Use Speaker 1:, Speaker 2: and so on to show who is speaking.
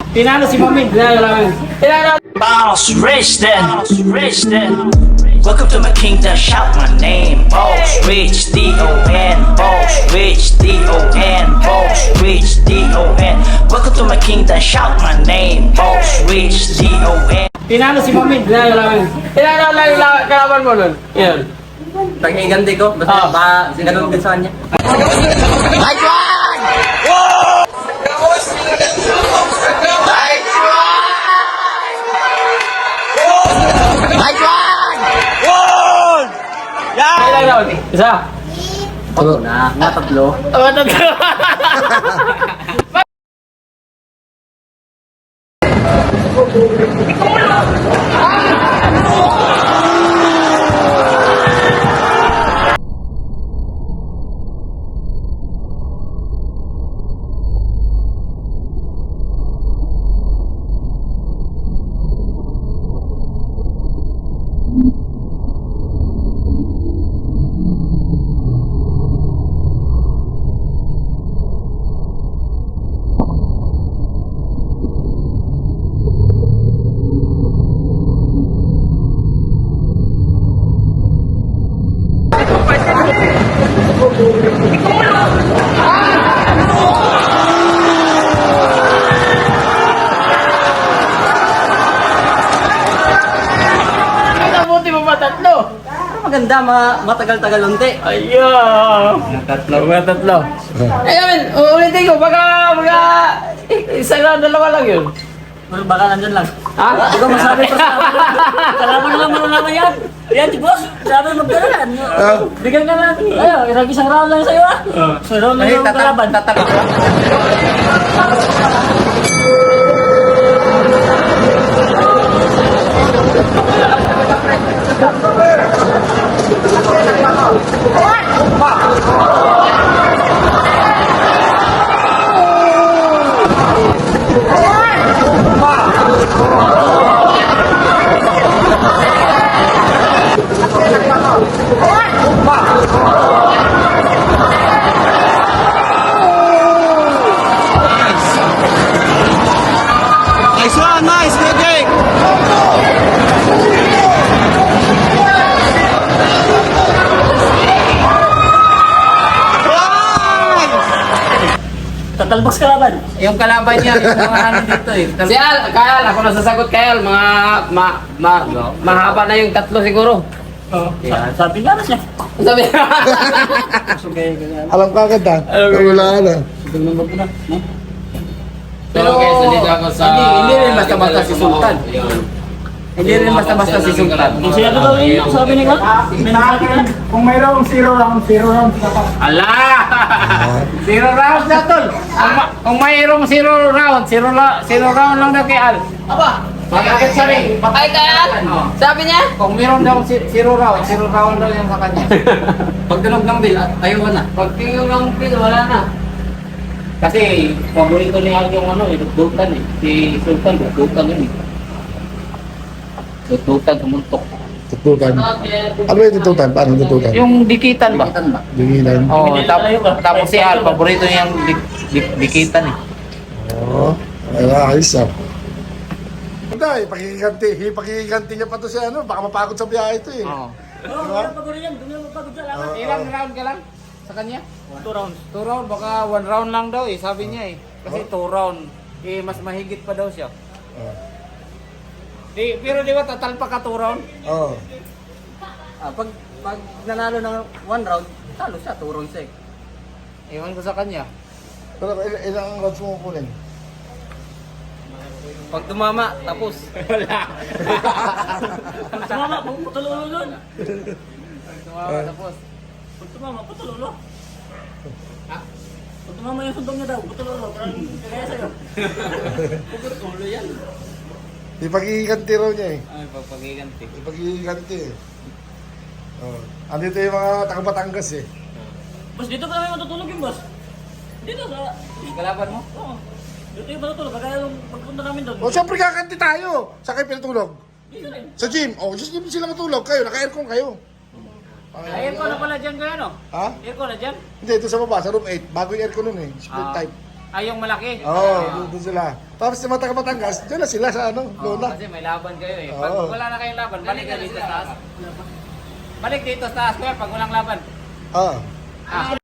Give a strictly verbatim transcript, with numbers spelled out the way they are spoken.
Speaker 1: Tinalo si Mamid. Tinalo namin. Tinalo.
Speaker 2: Boss Rich then, Rich then. Welcome to my kingdom, shout my name. Boss Rich, D O N. Boss Rich, D O N. Boss Rich, D O N. Welcome to my kingdom, shout my name. Boss Rich, D O N.
Speaker 1: Tinalo si Mamid. Tinalo namin. Tinalo lang yung la- kalaban mo nun. Yan.
Speaker 3: Pag-iganti ko, basta
Speaker 1: Ah.
Speaker 3: ba, ganun din sa kanya.
Speaker 1: Ilang round? Isa.
Speaker 3: Tatlo na, nga tatlo.
Speaker 1: Oh, tatlo. Nabuti mo ba tatlo?
Speaker 3: Pero maganda, ma matagal-tagal unti.
Speaker 1: Ayun. Tatlo. Mga tatlo. Eh, amin, ulitin ko. Baka, baka, isa lang, dalawa lang yun.
Speaker 3: Pero baka nandyan lang.
Speaker 1: Ha?
Speaker 3: Hindi ko masabi pa sa kalaban naman mo naman yan. Yan, di boss. Sabi magdalalan. Bigyan ka natin. Ayaw, isang isang round lang sa'yo ah. So, round lang yung kalaban.
Speaker 1: Tatalo.
Speaker 4: Nice one, nice, good game.
Speaker 3: Tatalbos kalaban.
Speaker 1: Yung kalaban niya, yung mga ano dito eh. Si Al, Kyle, ako nasasagot kay Al, mga, ma, ma, mahaba na yung tatlo siguro.
Speaker 3: Yan, sabi nga na siya.
Speaker 1: Sabi
Speaker 4: Alam ka agad ah. Wala na.
Speaker 3: Tignan mo na.
Speaker 1: Pero guys, nandito ako sa...
Speaker 3: Hindi, hindi rin basta-basta si Sultan. Hindi rin basta-basta si Sultan. Kung siya daw yun, sabi niya nga.
Speaker 4: Kung mayroong zero round, zero round dapat.
Speaker 1: Ala! Zero round na tol! Kung, ma- kung mayroong zero round, zero, la- zero round lang daw kay Al. Aba! Magkakit siya rin. Ay, kay Al? Sabi niya? Kung mayroon daw si- zero round, zero round daw yung sa kanya.
Speaker 3: Pag tunog ng bill, tayo ka na.
Speaker 1: Pag tingin ng pin, wala na. Kasi, paborito ni Al yung ano, eh, dudutan eh. Si Sultan, dudutan yun eh. Dudutan, tumuntok.
Speaker 4: Tutukan. Ano yung tutukan? Paano tutukan?
Speaker 1: Yung dikitan ba?
Speaker 3: Bigitan ba?
Speaker 4: Dinginan.
Speaker 1: Oo, oh, tapos, tapos si Al, paborito niya yung dik, dik, dikitan eh.
Speaker 4: Oo. Ay, ayos ah. Hindi, pakikiganti. Pakikiganti niya pa to siya ano. Baka mapagod sa biyahe ito eh.
Speaker 1: Oo.
Speaker 3: Oo, wala pagod yan. Dumi mo pagod sa laban.
Speaker 1: Ilang round ka lang sa kanya?
Speaker 3: Two rounds.
Speaker 1: Two round, baka one round lang daw eh, sabi niya eh. Kasi two round, eh mas mahigit pa daw siya.
Speaker 4: Oo.
Speaker 1: Di, pero di ba tatalpa ka two round?
Speaker 4: Oo.
Speaker 3: Ah, pag, pag nanalo ng one round, talo siya, two rounds eh.
Speaker 1: Ewan ko sa kanya.
Speaker 4: Pero il- ilang rounds mo kukunin?
Speaker 3: Pag tumama, tapos.
Speaker 1: Wala.
Speaker 3: Pag tumama, putulolo nun.
Speaker 1: Tumawa tapos.
Speaker 3: Pag tumama, putulolo. Ha? Pag tumama yung sundong niya daw, putulolo. Parang kagaya sa'yo. Putulolo yan.
Speaker 4: Ipakikiganti raw niya eh.
Speaker 1: Ay, pagpagiganti.
Speaker 4: Ipakikiganti eh. Oh. Andito yung mga taga-Batangas eh.
Speaker 3: Boss, dito pa namin matutulog yung boss. Dito sa...
Speaker 1: Yung kalaban mo?
Speaker 3: Oo. Dito yung matutulog. Kagaya yung pagpunta namin doon.
Speaker 4: O siyempre kakanti tayo. Sa kayo pinatulog?
Speaker 3: Dito rin.
Speaker 4: Sa gym. O, just gym sila matulog. Kayo, naka-aircon kayo.
Speaker 1: Ay, aircon na pala dyan kayo, no?
Speaker 4: Ha?
Speaker 1: Aircon na dyan?
Speaker 4: Hindi, ito sa baba, sa room eight. Bago yung aircon nun eh. Split
Speaker 1: Ah.
Speaker 4: type.
Speaker 1: Ay, yung malaki.
Speaker 4: Oo, oh, doon sila. Tapos si Mata Batangas, dyan na sila sa ano,
Speaker 1: Oo,
Speaker 4: Lola.
Speaker 1: kasi may laban kayo eh. Pag
Speaker 4: Oo.
Speaker 1: wala na kayong laban, balik kayo dito sa taas. Balik dito sa taas kuya pag walang laban.
Speaker 4: Ah.
Speaker 1: Ah,